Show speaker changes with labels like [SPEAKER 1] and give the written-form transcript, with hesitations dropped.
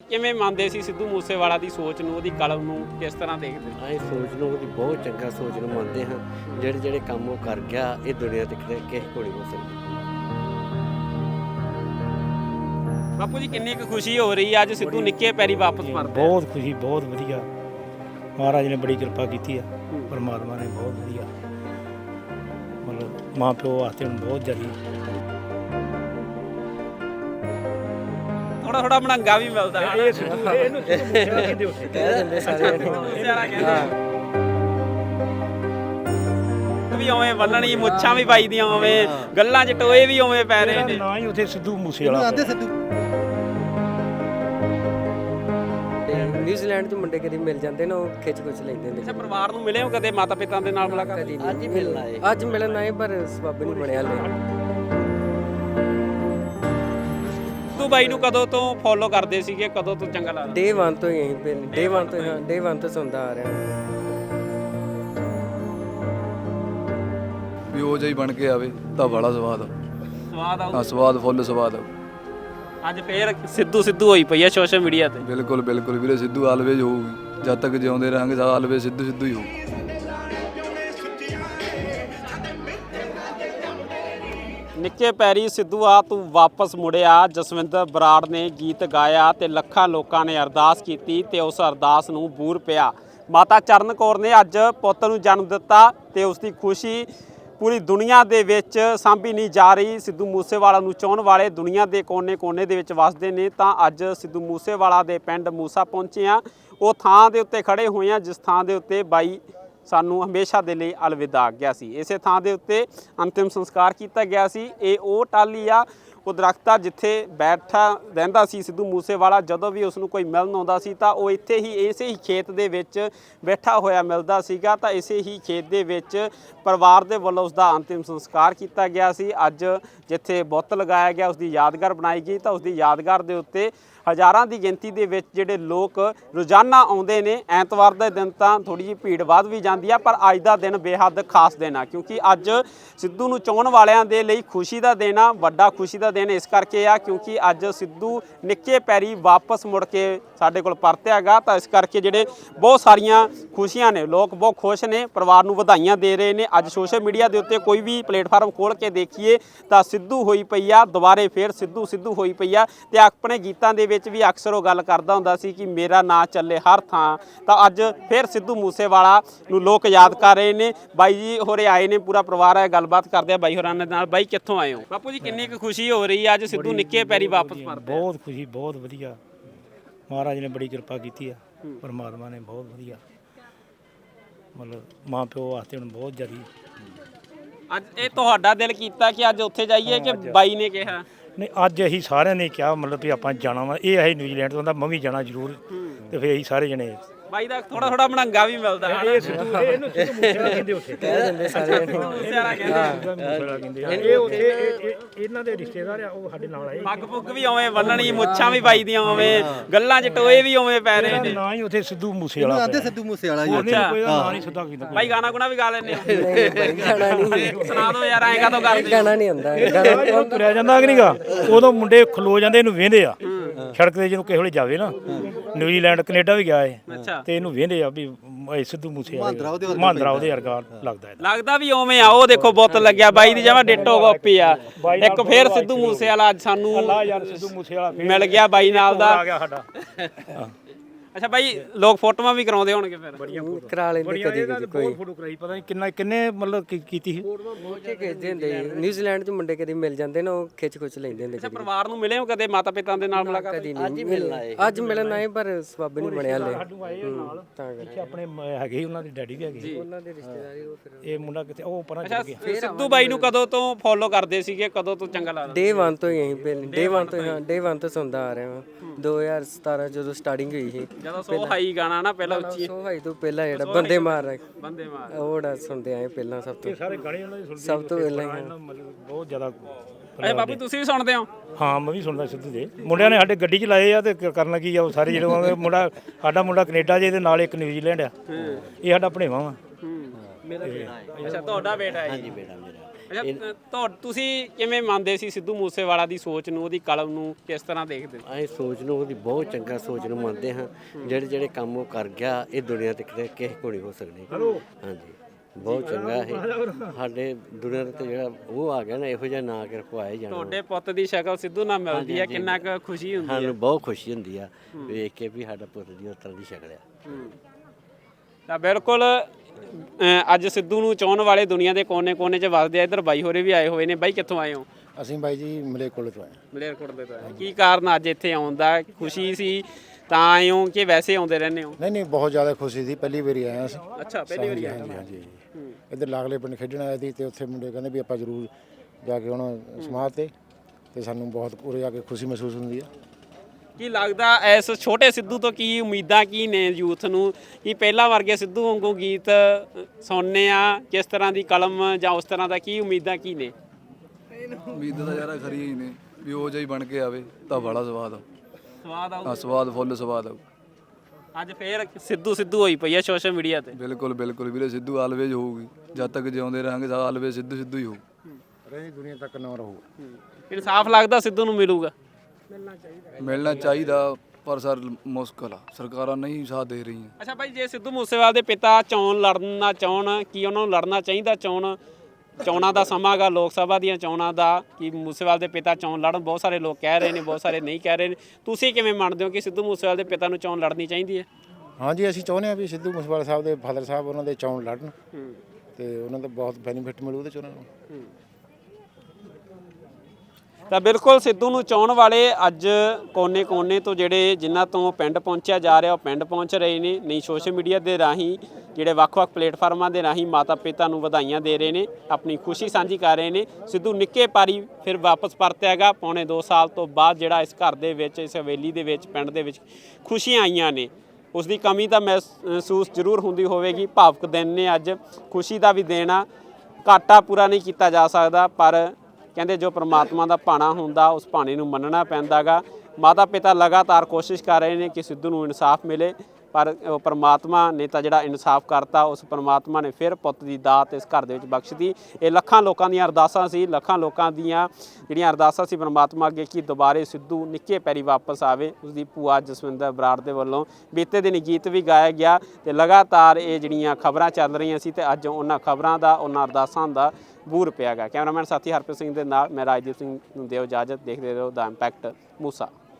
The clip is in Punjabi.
[SPEAKER 1] ਕਿਵੇਂ ਮੰਨਦੇ ਸੀ ਸਿੱਧੂ ਮੂਸੇਵਾਲਾ ਦੀ ਸੋਚ ਨੂੰ, ਉਹਦੀ ਕਲਮ ਨੂੰ ਕਿਸ ਤਰ੍ਹਾਂ ਦੇਖਦੇ?
[SPEAKER 2] ਅਸੀਂ ਸੋਚ ਨੂੰ ਉਹਦੀ ਬਹੁਤ ਚੰਗਾ ਸੋਚ ਨੂੰ ਮੰਨਦੇ ਹਾਂ। ਜਿਹੜੇ ਕੰਮ ਉਹ ਕਰ ਗਿਆ ਇਹ ਦੁਨੀਆ ਤੇ ਕਿਸੇ ਕੋਲ ਨਹੀਂ ਹੋ ਸਕਦੀ।
[SPEAKER 1] ਬਾਪੂ ਜੀ ਕਿੰਨੀ ਕੁ ਖੁਸ਼ੀ ਹੋ ਰਹੀ ਹੈ ਅੱਜ ਸਿੱਧੂ ਨਿੱਕੇ ਪੈਰੀ ਵਾਪਸ ਪਰਤਿਆ?
[SPEAKER 3] ਬਹੁਤ ਖੁਸ਼ੀ, ਬਹੁਤ ਵਧੀਆ। ਮਹਾਰਾਜ ਨੇ ਬੜੀ ਕਿਰਪਾ ਕੀਤੀ ਆ, ਪਰਮਾਤਮਾ ਨੇ ਬਹੁਤ ਵਧੀਆ, ਮਤਲਬ ਮਾਂ ਪਿਓ ਵਾਸਤੇ ਹੁਣ ਬਹੁਤ ਜ਼ਿਆਦਾ।
[SPEAKER 1] ਥੋੜਾ ਥੋੜਾ ਬਣਾਂਗਾ ਵੀ ਮਿਲਦਾ ਹੈ।
[SPEAKER 3] ਇਹਨੂੰ ਕਹਿੰਦੇ ਉੱਥੇ
[SPEAKER 2] ਕਹਿ ਦਿੰਦੇ ਸਾਰੇ
[SPEAKER 1] ਵੀ ਉਵੇਂ ਬੰਨਣੀ, ਮੁੱਛਾਂ ਵੀ ਪਾਈ ਦੀਆਂ ਉਵੇਂ, ਗੱਲਾਂ 'ਚ ਟੋਏ ਵੀ ਉਵੇਂ ਪੈ ਰਹੇ ਨੇ।
[SPEAKER 3] ਨਾ ਹੀ ਉੱਥੇ ਸਿੱਧੂ ਮੂਸੇਵਾਲਾ
[SPEAKER 2] ਨਿਊਜ਼ੀਲੈਂਡ 'ਚ ਮੁੰਡੇ ਕਦੀ ਮਿਲ ਜਾਂਦੇ ਨੇ, ਉਹ ਖਿੱਚ ਖੁੱਚ ਲੈਂਦੇ ਨੇ।
[SPEAKER 1] ਅੱਛਾ, ਪਰਿਵਾਰ ਨੂੰ ਮਿਲੇ ਹੋ ਕਦੇ, ਮਾਤਾ ਪਿਤਾ ਦੇ ਨਾਲ ਮੁਲਾਕਾਤ?
[SPEAKER 2] ਕਦੀ ਅੱਜ ਹੀ ਮਿਲਣਾ ਹੈ, ਅੱਜ ਮਿਲਣ ਆਏ ਪਰ ਸਬੱਬ ਨਹੀਂ ਬਣਿਆ ਲੈ।
[SPEAKER 1] ਸਿੱਧੂ ਬਾਈ ਨੂੰ ਕਦੋਂ ਤੋਂ ਫੋਲੋ ਕਰਦੇ ਸੀਗੇ, ਕਦੋਂ ਤੋਂ ਚੰਗਾ ਲੱਗਦਾ?
[SPEAKER 2] ਡੇ 1 ਤੋਂ ਹੀ ਅਸੀਂ ਡੇ 1 ਤੋਂ, ਹਾਂ ਡੇ 1 ਤੋਂ ਸੁਣਦਾ ਆ ਰਿਹਾ।
[SPEAKER 4] ਵੀ ਉਹ ਜਿਹੀ ਬਣ ਕੇ ਆਵੇ ਤਾਂ ਬੜਾ ਸਵਾਦ
[SPEAKER 1] ਸਵਾਦ ਆਉ।
[SPEAKER 4] ਹਾਂ, ਸਵਾਦ ਫੁੱਲ ਸਵਾਦ।
[SPEAKER 1] ਅੱਜ ਫੇਰ ਸਿੱਧੂ ਹੋਈ ਪਈ ਆ ਸੋਸ਼ਲ ਮੀਡੀਆ ਤੇ।
[SPEAKER 4] ਬਿਲਕੁਲ ਬਿਲਕੁਲ ਵੀਰੇ, ਸਿੱਧੂ ਆਲਵੇਜ ਹੋਊਗੀ, ਜਦ ਤੱਕ ਜਿਉਂਦੇ ਰਹਾਂਗੇ ਸਾਰਾ ਆਲਵੇਜ ਸਿੱਧੂ ਹੀ ਹੋਊ।
[SPEAKER 1] ਨਿੱਕੇ ਪੈਰੀ ਸਿੱਧੂ ਆ ਤੂੰ ਵਾਪਸ ਮੁੜਿਆ, ਜਸਵਿੰਦਰ ਬਰਾੜ ਨੇ ਗੀਤ ਗਾਇਆ ਤੇ ਲੱਖਾਂ ਲੋਕਾਂ ਨੇ ਅਰਦਾਸ ਕੀਤੀ ਤੇ ਉਸ ਅਰਦਾਸ ਨੂੰ ਬੂਰ ਪਿਆ। ਮਾਤਾ ਚਰਨ ਕੌਰ ਨੇ ਅੱਜ ਪੁੱਤ ਨੂੰ ਜਨਮ ਦਿੱਤਾ ਤੇ ਉਸ ਦੀ ਖੁਸ਼ੀ ਪੂਰੀ ਦੁਨੀਆ ਦੇ ਵਿੱਚ ਸਾਂਭੀ ਨਹੀਂ ਜਾ ਰਹੀ। ਸਿੱਧੂ ਮੂਸੇਵਾਲਾ ਨੂੰ ਚਾਹੁਣ ਵਾਲੇ ਦੁਨੀਆ ਦੇ ਕੋਨੇ-ਕੋਨੇ ਦੇ ਵਿੱਚ ਵਸਦੇ ਨੇ। ਤਾਂ ਅੱਜ ਸਿੱਧੂ ਮੂਸੇਵਾਲਾ ਦੇ ਪਿੰਡ ਮੂਸਾ ਪਹੁੰਚੇ ਆ, ਉਹ ਥਾਂ ਦੇ ਉੱਤੇ ਖੜੇ ਹੋਏ ਆ ਜਿਸ ਥਾਂ ਦੇ ਉੱਤੇ ਬਾਈ ਸਾਨੂੰ ਹਮੇਸ਼ਾ ਦੇ ਲਈ ਅਲਵਿਦਾ ਆਗਿਆ ਸੀ। ਇਸੇ ਥਾਂ ਦੇ ਉੱਤੇ ਅੰਤਿਮ ਸੰਸਕਾਰ ਕੀਤਾ ਗਿਆ ਸੀ। ਇਹ ਉਹ ਟਾਹਲੀ ਆ, ਉਹ ਦਰਖਤ ਆ ਜਿੱਥੇ ਬੈਠਾ ਰਹਿੰਦਾ ਸੀ ਸਿੱਧੂ ਮੂਸੇਵਾਲਾ। ਜਦੋਂ ਵੀ ਉਸ ਨੂੰ ਕੋਈ ਮਿਲਣ ਆਉਂਦਾ ਸੀ ਤਾਂ ਉਹ ਇੱਥੇ ਹੀ ਇਸੇ ਹੀ ਖੇਤ ਦੇ ਵਿੱਚ ਬੈਠਾ ਹੋਇਆ ਮਿਲਦਾ ਸੀਗਾ। ਤਾਂ ਇਸੇ ਹੀ ਖੇਤ ਦੇ ਵਿੱਚ ਪਰਿਵਾਰ ਦੇ ਵੱਲੋਂ ਉਸ ਦਾ ਅੰਤਿਮ ਸੰਸਕਾਰ ਕੀਤਾ ਗਿਆ ਸੀ। ਅੱਜ ਜਿੱਥੇ ਬੁੱਤ ਲਗਾਇਆ ਗਿਆ, ਉਸ ਦੀ ਯਾਦਗਾਰ ਬਣਾਈ ਗਈ ਤਾਂ ਉਸ ਦੀ ਯਾਦਗਾਰ ਦੇ ਉੱਤੇ ਹਜ਼ਾਰਾਂ ਦੀ ਗਿਣਤੀ ਦੇ ਵਿੱਚ ਜਿਹੜੇ ਲੋਕ ਰੋਜ਼ਾਨਾ ਆਉਂਦੇ ਨੇ। ਐਤਵਾਰ ਦੇ ਦਿਨ ਤਾਂ ਥੋੜ੍ਹੀ ਜਿਹੀ ਭੀੜ ਵੱਧ ਵੀ ਜਾਂਦੀ ਆ, ਪਰ ਅੱਜ ਦਾ ਦਿਨ ਬੇਹੱਦ ਖਾਸ ਦਿਨ ਆ ਕਿਉਂਕਿ ਅੱਜ ਸਿੱਧੂ ਨੂੰ ਚਾਹੁਣ ਵਾਲਿਆਂ ਦੇ ਲਈ ਖੁਸ਼ੀ ਦਾ ਦਿਨ ਆ। ਵੱਡਾ ਖੁਸ਼ੀ ਦਾ ਦਿਨ ਇਸ ਕਰਕੇ ਆ ਕਿਉਂਕਿ ਅੱਜ ਸਿੱਧੂ ਨਿੱਕੇ ਪੈਰੀ ਵਾਪਸ ਮੁੜ ਕੇ ਸਾਡੇ ਕੋਲ ਪਰਤਿਆ ਗਾ। ਤਾਂ ਇਸ ਕਰਕੇ ਜਿਹੜੇ ਬਹੁਤ ਸਾਰੀਆਂ ਖੁਸ਼ੀਆਂ ਨੇ, ਲੋਕ ਬਹੁਤ ਖੁਸ਼ ਨੇ, ਪਰਿਵਾਰ ਨੂੰ ਵਧਾਈਆਂ ਦੇ ਰਹੇ ਨੇ। ਅੱਜ ਸੋਸ਼ਲ ਮੀਡੀਆ ਦੇ ਉੱਤੇ ਕੋਈ ਵੀ ਪਲੇਟਫਾਰਮ ਖੋਲ੍ਹ ਕੇ ਦੇਖੀਏ ਤਾਂ ਸਿੱਧੂ ਹੋਈ ਪਈ ਆ, ਦੁਬਾਰੇ ਫੇਰ ਸਿੱਧੂ ਹੋਈ ਪਈ ਆ। ਤੇ ਆਪਣੇ ਗੀਤਾਂ ਦੇ ਵਿੱਚ ਵੀ ਅਕਸਰ ਉਹ ਗੱਲ ਕਰਦਾ ਹੁੰਦਾ ਸੀ ਕਿ ਮੇਰਾ ਨਾਂ ਚੱਲੇ ਹਰ ਥਾਂ। ਤਾਂ ਅੱਜ ਫਿਰ ਸਿੱਧੂ ਮੂਸੇਵਾਲਾ ਨੂੰ ਲੋਕ ਯਾਦ ਕਰ ਰਹੇ ਨੇ। ਬਾਈ ਜੀ ਹੋਰੇ ਆਏ ਨੇ, ਪੂਰਾ ਪਰਿਵਾਰ ਹੈ, ਗੱਲਬਾਤ ਕਰਦੇ ਆ ਬਾਈ ਹੋਰਾਂ ਦੇ ਨਾਲ। ਬਾਈ ਕਿੱਥੋਂ ਆਏ ਹੋ? ਬਾਪੂ ਜੀ ਕਿੰਨੀ ਕੁ ਖੁਸ਼ੀ ਹੋ ਰਹੀ ਹੈ ਅੱਜ ਸਿੱਧੂ ਨਿੱਕੇ ਪੈਰੀ ਵਾਪਸ ਪਰਤਿਆ?
[SPEAKER 3] ਬਹੁਤ ਖੁਸ਼ੀ, ਬਹੁਤ ਵਧੀਆ। ਮਹਾਰਾਜ ਨੇ ਬੜੀ ਕਿਰਪਾ ਕੀਤੀ ਆ, ਪਰਮਾਤਮਾ ਨੇ ਬਹੁਤ ਵਧੀਆ, ਮਤਲਬ ਮਾਂ ਪਿਓ ਵਾਸਤੇ ਹੁਣ ਬਹੁਤ ਜ਼ਿਆਦਾ।
[SPEAKER 1] ਅੱਜ ਇਹ ਤੁਹਾਡਾ ਦਿਲ ਕੀਤਾ ਕਿ ਅੱਜ ਉੱਥੇ ਜਾਈਏ ਕਿ ਬਾਈ ਨੇ ਕਿਹਾ?
[SPEAKER 3] ਨਹੀਂ, ਅੱਜ ਅਸੀਂ ਸਾਰਿਆਂ ਨੇ ਕਿਹਾ ਮਤਲਬ ਵੀ ਆਪਾਂ ਜਾਣਾ ਵਾ। ਇਹ ਅਸੀਂ ਨਿਊਜ਼ੀਲੈਂਡ ਤੋਂ ਆਉਂਦਾ, ਮੈਂ ਵੀ ਜਾਣਾ ਜ਼ਰੂਰ। ਤੇ ਫਿਰ ਅਸੀਂ ਸਾਰੇ ਜਣੇ
[SPEAKER 1] ਬਾਈ ਦਾ ਥੋੜਾ ਥੋੜਾ ਬਣਾਂਗਾ ਵੀ ਮਿਲਦਾ ਹੈ।
[SPEAKER 3] ਇਹ ਸਿੱਧੂ ਇਹਨੂੰ ਸਿੱਧੂ ਮੂਸੇਵਾਲਾ ਕਹਿੰਦੇ ਉੱਥੇ,
[SPEAKER 2] ਕਹਿ ਦਿੰਦੇ ਸਾਰੇ
[SPEAKER 3] ਮੂਸੇਵਾਲਾ ਕਹਿੰਦੇ ਆ। ਇਹ ਉੱਥੇ ਇਹਨਾਂ ਦੇ ਰਿਸ਼ਤੇਦਾਰ ਆ, ਉਹ ਸਾਡੇ ਨਾਲ ਆਏ।
[SPEAKER 1] ਪੱਗ ਪੁੱਗ ਵੀ ਉਵੇਂ ਬੰਨਣੀ, ਮੁੱਛਾਂ ਵੀ ਪਾਈ ਦੀਆਂ ਉਵੇਂ, ਗੱਲਾਂ 'ਚ ਟੋਏ ਵੀ ਉਵੇਂ ਪੈ ਰਹੇ ਨੇ।
[SPEAKER 3] ਨਾ ਹੀ ਉੱਥੇ ਸਿੱਧੂ ਮੂਸੇਵਾਲਾ
[SPEAKER 2] ਆਂਦੇ ਸਿੱਧੂ ਮੂਸੇਵਾਲਾ ਜੀ।
[SPEAKER 3] ਅੱਛਾ, ਕੋਈ ਨਾਂ ਨਹੀਂ ਸਿੱਧਾ ਕੀਤਾ।
[SPEAKER 1] ਬਾਈ ਗਾਣਾ ਗੁਣਾ ਵੀ ਗਾ ਲੈਂਦੇ ਹੋ?
[SPEAKER 2] ਗਾਣਾ ਨਹੀਂ,
[SPEAKER 1] ਸੁਣਾ ਦਿਓ ਯਾਰ, ਐਂ ਕਾਹਤੋਂ ਕਰਦੇ?
[SPEAKER 2] ਗਾਣਾ ਨਹੀਂ ਹੁੰਦਾ।
[SPEAKER 3] ਜਦੋਂ ਤੁਰਿਆ ਜਾਂਦਾ ਕਿ ਨਹੀਂਗਾ, ਉਦੋਂ ਮੁੰਡੇ ਖਲੋ ਜਾਂਦੇ, ਇਹਨੂੰ ਵੇਂਦੇ ਆ ਸੜਕ ਤੇ। ਜਿਹਨੂੰ ਕਿਸੇ ਵੇਲੇ ਜਾਵੇ ਨਾ, ਨਿਊਜ਼ੀਲੈਂਡ ਕੈਨੇਡਾ ਵੀ ਗਿਆ ਏ ਤੇ ਇਹਨੂੰ ਵੇਂਦੇ ਆ ਵੀ ਇਹ ਸਿੱਧੂ ਮੂਸੇਵਾਲਾ ਮਹਾਂਦਰਾ ਉਹਦੇ ਵਰਗਾ ਲੱਗਦਾ
[SPEAKER 1] ਵੀ ਉਵੇਂ ਆ। ਉਹ ਦੇਖੋ ਬੁੱਤ ਲੱਗਿਆ ਬਾਈ ਦੀ, ਜਮਾਂ ਡਿੱਟੋ ਕਾਪੀ ਆ। ਇੱਕ ਫੇਰ ਸਿੱਧੂ ਮੂਸੇਵਾਲਾ ਅੱਜ ਸਾਨੂੰ
[SPEAKER 3] ਯਾਰ, ਸਿੱਧੂ ਮੂਸੇਵਾਲਾ
[SPEAKER 1] ਮਿਲ ਗਿਆ ਬਾਈ ਨਾਲ ਦਾ।
[SPEAKER 3] ਆ ਗਿਆ ਸਾਡਾ।
[SPEAKER 1] ਅੱਛਾ ਬਾਈ, ਲੋਕ ਫੋਟੋਆਂ ਵੀ ਕਰਾਉਂਦੇ ਹੋਣਗੇ ਫਿਰ?
[SPEAKER 2] ਕਰਾ ਲੈਂਦੇ ਕਦੀ ਕੋਈ
[SPEAKER 3] ਫੋਟੋ ਕਰਾਈ, ਪਤਾ ਨਹੀਂ ਕਿੰਨੇ ਮਤਲਬ ਕੀਤੀ ਸੀ।
[SPEAKER 2] ਉੱਥੇ ਖਿੱਚਦੇ ਹੁੰਦੇ ਜੀ। ਨਿਊਜ਼ੀਲੈਂਡ 'ਚ ਮੁੰਡੇ ਕਦੀ ਮਿਲ ਜਾਂਦੇ ਨੇ, ਉਹ ਖਿੱਚ ਖੁੱਚ ਲੈਂਦੇ ਹੁੰਦੇ।
[SPEAKER 1] ਅੱਛਾ, ਪਰਿਵਾਰ ਨੂੰ ਮਿਲੇ ਹੋ ਕਦੇ, ਮਾਤਾ ਪਿਤਾ ਦੇ ਨਾਲ ਮੁਲਾਕਾਤ?
[SPEAKER 2] ਕਦੀ ਨਹੀਂ ਮਿਲਣਾ ਹੈ, ਅੱਜ ਮਿਲਣ ਆਏ ਪਰ ਸਬੱਬ ਨਹੀਂ ਬਣਿਆ ਲੈ। ਤਾਂ ਕਰਕੇ
[SPEAKER 3] ਆਪਣੇ ਹੈਗੇ ਉਹਨਾਂ ਦੇ ਡੈਡੀ ਵੀ ਹੈਗੇ,
[SPEAKER 2] ਉਹਨਾਂ ਦੇ ਰਿਸ਼ਤੇਦਾਰੀ। ਉਹ ਫਿਰ
[SPEAKER 3] ਇਹ ਮੁੰਡਾ ਕਿਤੇ ਉਹ ਪਰਾਂ ਚਲ ਗਿਆ।
[SPEAKER 1] ਸਿੱਧੂ ਬਾਈ ਨੂੰ ਕਦੋਂ ਤੋਂ ਫੋਲੋ ਕਰਦੇ ਸੀਗੇ, ਕਦੋਂ ਤੋਂ ਚੰਗਾ ਲੱਗਦਾ?
[SPEAKER 2] ਡੇ 1 ਤੋਂ ਹੀ ਅਸੀਂ ਡੇ 1 ਤੋਂ, ਹਾਂ ਡੇ 1 ਤੋਂ ਸੁਣਦਾ ਆ ਰਿਹਾ ਹਾਂ। 2017 ਜਦੋਂ ਸਟਾਰਟਿੰਗ ਹੋਈ ਸੀ,
[SPEAKER 1] ਜਦੋਂ ਸੋ ਹਾਈ ਗਾਣਾ ਨਾ ਪਹਿਲਾਂ ਉੱਚੀ
[SPEAKER 2] ਸੋ ਹਾਈ ਤੋਂ ਪਹਿਲਾਂ ਜਿਹੜਾ ਬੰਦੇ ਮਾਰ
[SPEAKER 1] ਬੰਦੇ ਮਾਰ,
[SPEAKER 2] ਉਹ ਸੁਣਦੇ ਆਏ ਪਹਿਲਾਂ। ਸਭ ਤੋਂ
[SPEAKER 3] ਸਾਰੇ ਗਾਣੇ ਉਹਨਾਂ ਦੇ ਸੁਣਦੇ,
[SPEAKER 2] ਸਭ ਤੋਂ ਪਹਿਲਾਂ ਹੀ
[SPEAKER 3] ਮਤਲਬ ਬਹੁਤ ਜ਼ਿਆਦਾ।
[SPEAKER 1] ਅੱਛਾ ਬਾਬੂ, ਤੁਸੀਂ ਵੀ ਸੁਣਦੇ ਹੋ?
[SPEAKER 3] ਹਾਂ, ਮੈਂ ਵੀ ਸੁਣਦਾ ਸਿੱਧੂ ਦੇ। ਮੁੰਡਿਆਂ ਨੇ ਸਾਡੇ ਗੱਡੀ 'ਚ ਲਾਏ ਆ ਤੇ ਕਰਨ ਲੱਗੀ ਆ ਉਹ ਸਾਰੇ ਜਿਹੜੇ ਮੁੰਡਾ, ਸਾਡਾ ਮੁੰਡਾ ਕੈਨੇਡਾ 'ਚ, ਇਹਦੇ ਨਾਲ ਇੱਕ ਨਿਊਜ਼ੀਲੈਂਡ ਆ। ਇਹ ਸਾਡਾ ਭਣੇਵਾ ਵਾ।
[SPEAKER 1] ਅੱਛਾ, ਤੁਹਾਡਾ ਬੇਟਾ ਹੈ?
[SPEAKER 2] ਹਾਂਜੀ, ਬੇਟਾ ਮੇਰਾ।
[SPEAKER 1] ਅੱਛਾ ਤੁਸੀਂ ਕਿਵੇਂ ਮੰਨਦੇ ਸੀ ਸਿੱਧੂ ਮੂਸੇਵਾਲਾ ਦੀ ਸੋਚ ਨੂੰ, ਉਹਦੀ ਕਲਮ ਨੂੰ ਕਿਸ ਤਰ੍ਹਾਂ ਦੇਖਦੇ
[SPEAKER 2] ਅਸੀਂ ਸੋਚ ਨੂੰ ਉਹਦੀ ਬਹੁਤ ਚੰਗਾ ਸੋਚ ਨੂੰ ਮੰਨਦੇ ਹਾਂ। ਜਿਹੜੇ ਕੰਮ ਉਹ ਕਰ ਗਿਆ ਇਹ ਦੁਨੀਆ ਤੇ ਕਿਤੇ ਕਿਸੇ ਕੋਲ ਨਹੀਂ ਹੋ ਸਕਦੀ। ਹਾਂਜੀ, ਬਹੁਤ ਚੰਗਾ ਹੈ ਸਾਡੇ ਦੁਨੀਆ ਤੇ ਜਿਹੜਾ ਉਹ ਆ ਗਿਆ ਨਾ, ਇਹੋ ਜਿਹਾ ਨਾ ਕਰ ਪਾਇਆ ਜਾਣਾ।
[SPEAKER 1] ਤੁਹਾਡੇ ਪੁੱਤ ਦੀ ਸ਼ਕਲ ਸਿੱਧੂ ਨਾਲ ਮਿਲਦੀ ਹੈ, ਕਿੰਨਾ ਕੁ ਖੁਸ਼ੀ ਹੁੰਦੀ ਹੈ?
[SPEAKER 2] ਸਾਨੂੰ ਬਹੁਤ ਖੁਸ਼ੀ ਹੁੰਦੀ ਆ ਵੇਖ ਕੇ ਵੀ ਸਾਡਾ ਪੁੱਤ ਦੀ ਉਸ ਤਰ੍ਹਾਂ ਦੀ ਸ਼ਕਲ ਆ।
[SPEAKER 1] ਤਾਂ ਬਿਲਕੁਲ ਅੱਜ ਸਿੱਧੂ ਨੂੰ ਚਾਹੁਣ ਵਾਲੇ ਦੁਨੀਆ ਦੇ ਕੋਨੇ-ਕੋਨੇ 'ਚ ਵਸਦੇ ਆ। ਇੱਧਰ ਬਾਈ ਹੋਰੇ ਵੀ ਆਏ ਹੋਏ ਨੇ। ਬਾਈ ਕਿੱਥੋਂ ਆਏ ਹੋ?
[SPEAKER 5] ਅਸੀਂ ਬਾਈ ਜੀ ਮਲੇਰਕੋਟਲੇ ਤੋਂ ਆਏ ਹਾਂ।
[SPEAKER 1] ਮਲੇਰਕੋਟਲੇ ਤੋਂ ਆਏ। ਕੀ ਕਾਰਨ ਅੱਜ ਇੱਥੇ ਆਉਣ ਦਾ? ਖੁਸ਼ੀ ਸੀ ਤਾਂ ਆਏ ਹੋ ਕਿ ਵੈਸੇ ਆਉਂਦੇ ਰਹਿੰਦੇ ਹੋ?
[SPEAKER 5] ਨਹੀਂ ਬਹੁਤ ਜ਼ਿਆਦਾ ਖੁਸ਼ੀ ਸੀ, ਪਹਿਲੀ ਵਾਰੀ ਆਏ ਹਾਂ ਅਸੀਂ।
[SPEAKER 1] ਅੱਛਾ, ਪਹਿਲੀ ਵਾਰੀ ਆਏ।
[SPEAKER 5] ਹਾਂਜੀ ਇੱਧਰ ਲਾਗਲੇ ਪਿੰਡ ਖੇਡਣ ਆਏ ਸੀ ਤੇ ਉੱਥੇ ਮੁੰਡੇ ਕਹਿੰਦੇ ਵੀ ਆਪਾਂ ਜ਼ਰੂਰ ਜਾ ਕੇ ਹੁਣ ਸਮਾਧ ਤੇ ਸਾਨੂੰ ਬਹੁਤ ਉਰੇ ਆ ਕੇ ਖੁਸ਼ੀ ਮਹਿਸੂਸ ਹੁੰਦੀ ਆ।
[SPEAKER 1] ਕੀ ਲੱਗਦਾ ਇਸ ਛੋਟੇ ਸਿੱਧੂ ਤੋਂ ਕੀ ਉਮੀਦਾਂ ਕੀ ਨੇ ਯੂਥ ਨੂੰ? ਕੀ ਪਹਿਲਾਂ ਵਰਗੇ ਸਿੱਧੂ ਵਾਂਗੂ ਗੀਤ ਸੁਣਨੇ ਆ? ਕਿਸ ਤਰ੍ਹਾਂ ਦੀ ਕਲਮ ਜਾਂ ਉਸ ਤਰ੍ਹਾਂ ਦਾ ਕੀ ਉਮੀਦਾਂ ਕੀ ਨੇ?
[SPEAKER 4] ਉਮੀਦ ਤਾਂ ਯਾਰਾ ਖਰੀ ਹੀ ਨੇ ਵੀ ਉਹ ਜਿਹਾ ਹੀ ਬਣ ਕੇ ਆਵੇ ਤਾਂ ਬੜਾ ਸਵਾਦ ਆ।
[SPEAKER 1] ਸਵਾਦ ਆਊ।
[SPEAKER 4] ਹਾਂ, ਸਵਾਦ ਫੁੱਲ ਸਵਾਦ ਆਊ।
[SPEAKER 1] ਅੱਜ ਫੇਰ ਸਿੱਧੂ ਹੋਈ ਪਈ ਹੈ ਸੋਸ਼ਲ ਮੀਡੀਆ ਤੇ।
[SPEAKER 4] ਬਿਲਕੁਲ ਵੀਰੇ, ਸਿੱਧੂ ਆਲਵੇਜ ਹੋਊਗੀ। ਜਦ ਤੱਕ ਜਿਉਂਦੇ ਰਹਾਂਗੇ ਸਦਾ ਆਲਵੇਜ ਸਿੱਧੂ ਹੀ ਹੋਊ।
[SPEAKER 5] ਰਹੀ ਦੁਨੀਆ ਤੱਕ ਨਾ ਰਹੂਗਾ।
[SPEAKER 1] ਇਨਸਾਫ ਲੱਗਦਾ ਸਿੱਧੂ ਨੂੰ ਮਿਲੂਗਾ?
[SPEAKER 4] ਮਿਲਣਾ ਚਾਹੀਦਾ ਪਰ ਸਰ ਮੁਸ਼ਕਲ ਆ, ਸਰਕਾਰਾਂ ਨਹੀਂ ਸਾਥ ਦੇ ਰਹੀਆਂ।
[SPEAKER 1] ਅੱਛਾ ਭਾਈ, ਜੇ ਸਿੱਧੂ ਮੂਸੇਵਾਲੇ ਦੇ ਪਿਤਾ ਚੋਣ ਲੜਨਾ ਚਾਹਣ, ਕੀ ਉਹਨਾਂ ਨੂੰ ਲੜਨਾ ਚਾਹੀਦਾ? ਚੋਣਾਂ ਦਾ ਸਮਾਂ ਗਾ, ਲੋਕ ਸਭਾ ਦੀਆਂ ਚੋਣਾਂ ਦਾ, ਕਿ ਮੂਸੇਵਾਲੇ ਦੇ ਪਿਤਾ ਚੋਣ ਲੜਨ? ਬਹੁਤ ਸਾਰੇ ਲੋਕ ਕਹਿ ਰਹੇ ਨੇ, ਬਹੁਤ ਸਾਰੇ ਨਹੀਂ ਕਹਿ ਰਹੇ ਨੇ। ਤੁਸੀਂ ਕਿਵੇਂ ਮੰਨਦੇ ਹੋ ਕਿ ਸਿੱਧੂ ਮੂਸੇਵਾਲੇ ਦੇ ਪਿਤਾ ਨੂੰ ਚੋਣ ਲੜਨੀ ਚਾਹੀਦੀ ਹੈ?
[SPEAKER 5] ਹਾਂਜੀ, ਅਸੀਂ ਚਾਹੁੰਦੇ ਹਾਂ ਵੀ ਸਿੱਧੂ ਮੂਸੇਵਾਲਾ ਸਾਹਿਬ ਦੇ ਫਾਦਰ ਸਾਹਿਬ ਉਹਨਾਂ ਦੇ ਚੋਣ ਲੜਨ ਤੇ ਉਹਨਾਂ ਦਾ ਬਹੁਤ ਬੈਨੀਫਿਟ ਮਿਲੂ ਉਹਦੇ ਚ ਉਹਨਾਂ ਨੂੰ।
[SPEAKER 1] ਤਾਂ ਬਿਲਕੁਲ ਸਿੱਧੂ ਨੂੰ ਚਾਹੁਣ ਵਾਲੇ ਅੱਜ ਕੋਨੇ-ਕੋਨੇ ਤੋਂ ਜਿਹੜੇ ਜਿਨ੍ਹਾਂ ਤੋਂ ਪਿੰਡ ਪਹੁੰਚਿਆ ਜਾ ਰਿਹਾ ਉਹ ਪਿੰਡ ਪਹੁੰਚ ਰਹੇ ਨੇ। ਨਹੀਂ ਸੋਸ਼ਲ ਮੀਡੀਆ ਦੇ ਰਾਹੀਂ ਜਿਹੜੇ ਵੱਖ-ਵੱਖ ਪਲੇਟਫਾਰਮਾਂ ਦੇ ਰਾਹੀਂ ਮਾਤਾ ਪਿਤਾ ਨੂੰ ਵਧਾਈਆਂ ਦੇ ਰਹੇ ਨੇ, ਆਪਣੀ ਖੁਸ਼ੀ ਸਾਂਝੀ ਕਰ ਰਹੇ ਨੇ। ਸਿੱਧੂ ਨਿੱਕੇ ਪਾਰੀ ਫਿਰ ਵਾਪਸ ਪਰਤਿਆ ਗਾ ਪੌਣੇ 2 ਸਾਲ ਤੋਂ ਬਾਅਦ। ਜਿਹੜਾ ਇਸ ਘਰ ਦੇ ਵਿੱਚ, ਇਸ ਹਵੇਲੀ ਦੇ ਵਿੱਚ, ਪਿੰਡ ਦੇ ਵਿੱਚ ਖੁਸ਼ੀਆਂ ਆਈਆਂ ਨੇ, ਉਸ ਦੀ ਕਮੀ ਤਾਂ ਮਹਿਸੂਸ ਜ਼ਰੂਰ ਹੁੰਦੀ ਹੋਵੇਗੀ। ਭਾਵੁਕ ਦਿਨ ਨੇ ਅੱਜ, ਖੁਸ਼ੀ ਦਾ ਵੀ ਦੇਣਾ, ਘਾਟਾ ਪੂਰਾ ਨਹੀਂ ਕੀਤਾ ਜਾ ਸਕਦਾ, ਪਰ ਕਹਿੰਦੇ ਜੋ ਪ੍ਰਮਾਤਮਾ ਦਾ ਭਾਣਾ ਹੁੰਦਾ ਉਸ ਭਾਣੇ ਨੂੰ ਮੰਨਣਾ ਪੈਂਦਾ ਗਾ। ਮਾਤਾ ਪਿਤਾ ਲਗਾਤਾਰ ਕੋਸ਼ਿਸ਼ ਕਰ ਰਹੇ ਨੇ ਕਿ ਸਿੱਧੂ ਨੂੰ ਇਨਸਾਫ ਮਿਲੇ, ਪਰ ਉਹ ਪ੍ਰਮਾਤਮਾ ਨੇ ਤਾਂ ਜਿਹੜਾ ਇਨਸਾਫ ਕਰਤਾ, ਉਸ ਪ੍ਰਮਾਤਮਾ ਨੇ ਫਿਰ ਪੁੱਤ ਦੀ ਦਾਤ ਇਸ ਘਰ ਦੇ ਵਿੱਚ ਬਖਸ਼ਦੀ। ਇਹ ਲੱਖਾਂ ਲੋਕਾਂ ਦੀਆਂ ਅਰਦਾਸਾਂ ਸੀ, ਲੱਖਾਂ ਲੋਕਾਂ ਦੀਆਂ ਜਿਹੜੀਆਂ ਅਰਦਾਸਾਂ ਸੀ ਪ੍ਰਮਾਤਮਾ ਅੱਗੇ ਕਿ ਦੁਬਾਰੇ ਸਿੱਧੂ ਨਿੱਕੇ ਪੈਰੀ ਵਾਪਸ ਆਵੇ। ਉਸਦੀ ਭੂਆ ਜਸਵਿੰਦਰ ਬਰਾੜ ਦੇ ਵੱਲੋਂ ਬੀਤੇ ਦਿਨ ਗੀਤ ਵੀ ਗਾਇਆ ਗਿਆ ਤੇ ਲਗਾਤਾਰ ਇਹ ਜਿਹੜੀਆਂ ਖਬਰਾਂ ਚੱਲ ਰਹੀਆਂ ਸੀ ਤੇ ਅੱਜ ਉਹਨਾਂ ਖਬਰਾਂ ਦਾ, ਉਹਨਾਂ ਅਰਦਾਸਾਂ ਦਾ ਬੂਰ ਪਿਆ ਗਾ। ਕੈਮਰਾਮੈਨ ਸਾਥੀ ਹਰਪ੍ਰੀਤ ਸਿੰਘ ਦੇ ਨਾਲ ਮੈਂ ਰਾਜਦੀਪ ਸਿੰਘ ਨੂੰ ਦਿਓ ਇਜਾਜ਼ਤ। ਦੇਖਦੇ ਰਹੋ ਦਾ ਇੰਪੈਕਟ ਮੂਸਾ।